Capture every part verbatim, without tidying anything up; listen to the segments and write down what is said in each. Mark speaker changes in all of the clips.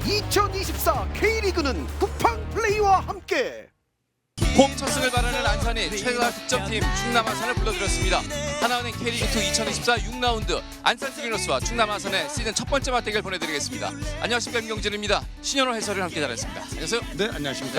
Speaker 1: 이천이십사 K리그는 쿠팡 플레이와 함께
Speaker 2: 홈 첫 승을 바라는 안산이 최다 득점팀 충남 아산을 불러들였습니다. 하나은행 K리그이 이천이십사 육 라운드 안산 트리너스와 충남 아산의 시즌 첫 번째 맞대결 보내드리겠습니다. 안녕하십니까, 임경진입니다. 신현호 해설을 함께 잘했습니다. 안녕하세요.
Speaker 3: 네, 안녕하십니까.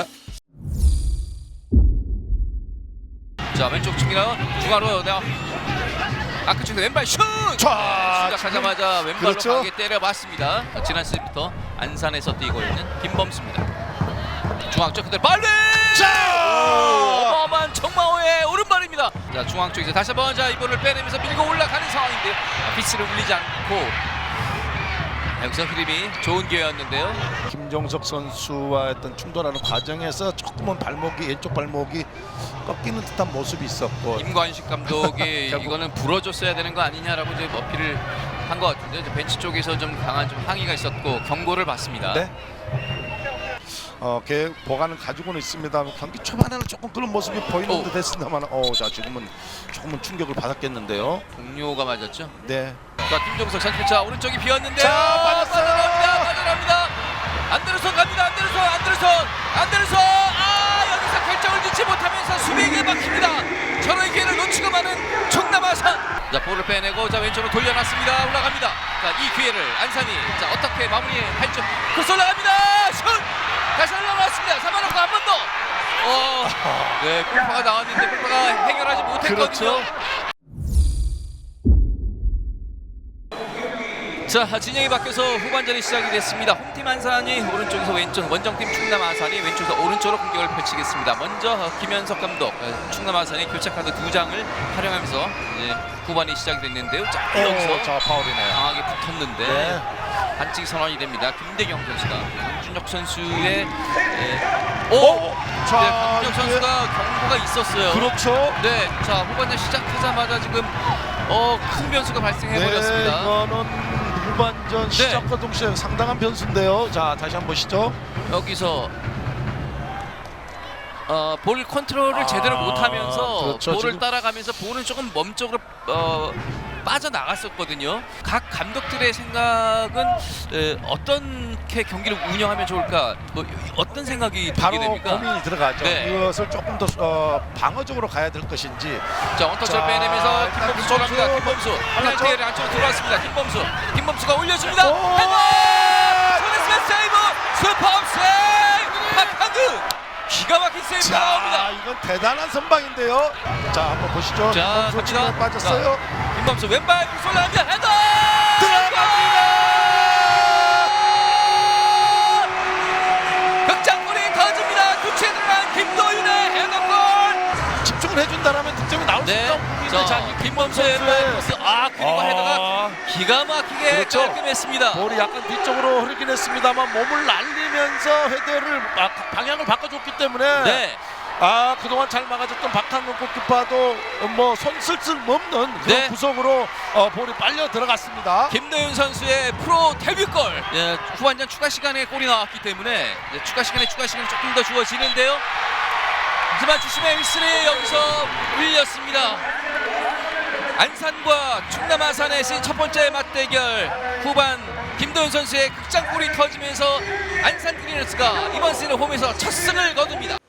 Speaker 2: 자, 왼쪽 측면 중앙으로 내가 아크 측면 왼발 슛!
Speaker 3: 자,
Speaker 2: 시작하자마자 왼발로
Speaker 3: 그렇죠.
Speaker 2: 강하게 때려 맞습니다. 지난 시즌부터 안산에서 뛰고 있는 김범수입니다. 중앙 쪽 그대로 빨리!
Speaker 3: 자!
Speaker 2: 어마어마한 정마호의 오른발입니다. 자, 중앙 쪽에서 다시 한번 자 이볼을 빼내면서 밀고 올라가는 상황인데요. 아, 피치를 울리지 않고 여기서 흐름이 좋은 기회였는데요.
Speaker 3: 김종석 선수와 했던 충돌하는 과정에서 조금은 발목이 왼쪽 발목이 꺾이는 듯한 모습이 있었고
Speaker 2: 임관식 감독이
Speaker 3: 결국-
Speaker 2: 이거는 불어줬어야 되는 거 아니냐라고 이제 어필을 한 것 같은데 이제 벤치 쪽에서 좀 강한 좀 항의가 있었고 경고를 받습니다.
Speaker 3: 네. 어, 걔 보관을 가지고는 있습니다. 경기 초반에는 조금 그런 모습이 보이는
Speaker 2: 오.
Speaker 3: 듯 했습니다만, 어, 자 지금은 조금은 충격을 받았겠는데요.
Speaker 2: 동료가 맞았죠.
Speaker 3: 네.
Speaker 2: 자, 김종석 선수자 오른쪽이 비었는데요.
Speaker 3: 자, 빠졌어요.
Speaker 2: 빠져나옵니다. 빠져나옵니다. 안데르손 갑니다. 안데르손, 안데르손, 안데르손. 아, 여기서 결정을 짓지 못하면서 수비에게 막힙니다. 저런 기회를 놓치고 마는 충남 아산. 자, 볼을 빼내고 자 왼쪽으로 돌려놨습니다. 올라갑니다. 자, 이 기회를 안산이 자 어떻게 마무리할지. 크로스 올라갑니다. 슛. 다시 올라왔습니다. 잡아놓고 한 번 더. 어, 네, 골파가 나왔는데 골파가 해결하지 못했거든요.
Speaker 3: 그렇죠.
Speaker 2: 자, 진영이 바뀌어서 후반전이 시작이 됐습니다. 홈팀 안산이 오른쪽에서 왼쪽, 원정팀 충남 아산이 왼쪽에서 오른쪽으로 공격을 펼치겠습니다. 먼저 김현석 감독, 충남 아산이 교체 카드 두 장을 활용하면서 이제 후반이 시작이 됐는데요. 자,
Speaker 3: 오,
Speaker 2: 여기서
Speaker 3: 자 파울이네요.
Speaker 2: 강하게 붙었는데
Speaker 3: 네.
Speaker 2: 반칙 선언이 됩니다. 김대경 선수가 강준혁 선수의 에, 오,
Speaker 3: 오!
Speaker 2: 네,
Speaker 3: 자,
Speaker 2: 강준혁
Speaker 3: 이게-
Speaker 2: 선수가 경고가 있었어요.
Speaker 3: 그렇죠.
Speaker 2: 네, 자 후반전 시작하자마자 지금 어, 큰 변수가 발생해 버렸습니다.
Speaker 3: 네, 이거는 후반전 시작과 동시에 상당한 변수인데요. 자, 다시 한번 보시죠.
Speaker 2: 여기서 어, 볼 컨트롤을
Speaker 3: 아,
Speaker 2: 제대로 못하면서
Speaker 3: 그렇죠.
Speaker 2: 볼을
Speaker 3: 지금-
Speaker 2: 따라가면서 볼은 조금 멈쪽으로 어, 빠져나갔었거든요. 각 감독들의 생각은 에, 어떻게 경기를 운영하면 좋을까? 뭐 어떤 생각이 들게
Speaker 3: 바로
Speaker 2: 됩니까?
Speaker 3: 고민이 들어가죠.
Speaker 2: 네.
Speaker 3: 이것을 조금 더 어, 방어적으로 가야 될 것인지.
Speaker 2: 자, 원터치를
Speaker 3: 자,
Speaker 2: 빼내면서
Speaker 3: 일단
Speaker 2: 김범수 들어갑니다.
Speaker 3: 김범수.
Speaker 2: 김범수
Speaker 3: 하나
Speaker 2: 페널티를 안쪽으로 들어왔습니다. 김범수, 김범수가 올려줍니다.
Speaker 3: 오!
Speaker 2: 헤더! 손에스맨 세이브! 슈퍼 세이브! 박한규! 기가 막힌 세이브가
Speaker 3: 자,
Speaker 2: 나옵니다.
Speaker 3: 이건 대단한 선방인데요. 자, 한번 보시죠.
Speaker 2: 자,
Speaker 3: 김범수
Speaker 2: 갑니다.
Speaker 3: 지금 빠졌어요.
Speaker 2: 자, 김범수 왼발 쏠라합니다. 헤더!
Speaker 3: 들어갑니다.
Speaker 2: 극장골이 터집니다. 교체에 들어간 김도윤의 헤더골.
Speaker 3: 집중을 해준다라면 득점이 나올 수
Speaker 2: 네,
Speaker 3: 있는
Speaker 2: 자,
Speaker 3: 자,
Speaker 2: 김범수의 왼발 크로스. 아, 그리고
Speaker 3: 아.
Speaker 2: 헤더가 기가 막히게
Speaker 3: 그렇죠.
Speaker 2: 깔끔했습니다.
Speaker 3: 볼이 약간 뒤쪽으로 흐르긴 했습니다만 몸을 날리면서 헤더를 아, 방향을 바꿔줬기 때문에
Speaker 2: 네.
Speaker 3: 아 그동안 잘 막아줬던 박한근 골키퍼도 뭐 손쓸쓸 없는 그런
Speaker 2: 네.
Speaker 3: 구석으로 어, 볼이 빨려 들어갔습니다.
Speaker 2: 김도윤 선수의 프로 데뷔골. 예, 후반전 추가 시간에 골이 나왔기 때문에 이제 추가 시간에 추가 시간이 조금 더 주어지는데요. 하지만 주심의 휘슬이 여기서 울렸습니다. 안산과 충남 아산의 시즌 첫 번째 맞대결 후반 김도윤 선수의 극장골이 터지면서 안산 트리너스가 이번 시즌 홈에서 첫 승을 거둡니다.